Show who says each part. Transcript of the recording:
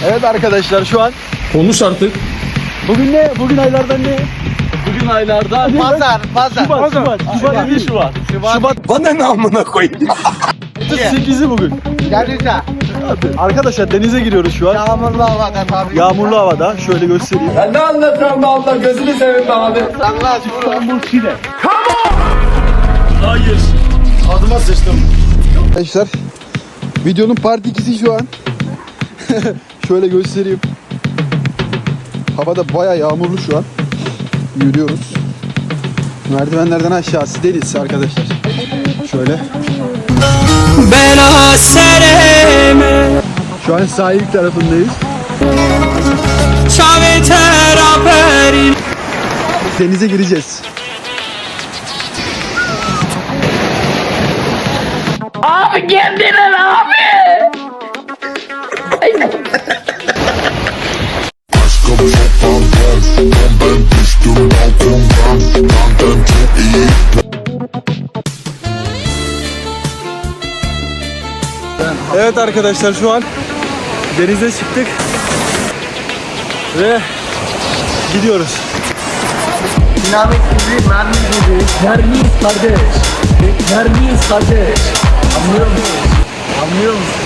Speaker 1: Evet arkadaşlar şu an
Speaker 2: Konuş artık.
Speaker 1: bugün ne? Bugün aylardan ne?
Speaker 2: Bugün aylardan
Speaker 3: Pazar.
Speaker 1: Şubat.
Speaker 2: Bana ne amına koyayım?
Speaker 1: 8'i bugün.
Speaker 3: Denize.
Speaker 1: Arkadaşlar denize giriyoruz şu an.
Speaker 3: Yağmurlu havada tabii.
Speaker 1: Yağmurlu havada. Şöyle göstereyim.
Speaker 2: Ben ne anlatıyorum be Allah gözünü seveyim be abi.
Speaker 3: Allah
Speaker 1: İstanbul Şile. Hayır. Adıma sıçtım. Arkadaşlar videonun part 2'si şu an. Şöyle göstereyim. Havada bayağı yağmurlu şu an. Yürüyoruz. Merdivenlerden aşağısı deniz arkadaşlar. Şöyle. Şu an sahil tarafındayız. Denize gireceğiz.
Speaker 4: Abi kendine abi.
Speaker 1: Evet arkadaşlar şu an denize çıktık ve gidiyoruz.
Speaker 3: Dinamik gibi, mermi gibi.
Speaker 2: Mermiyiz kardeş. Mermiyiz kardeş. Anlıyor musun? Anlıyor musun?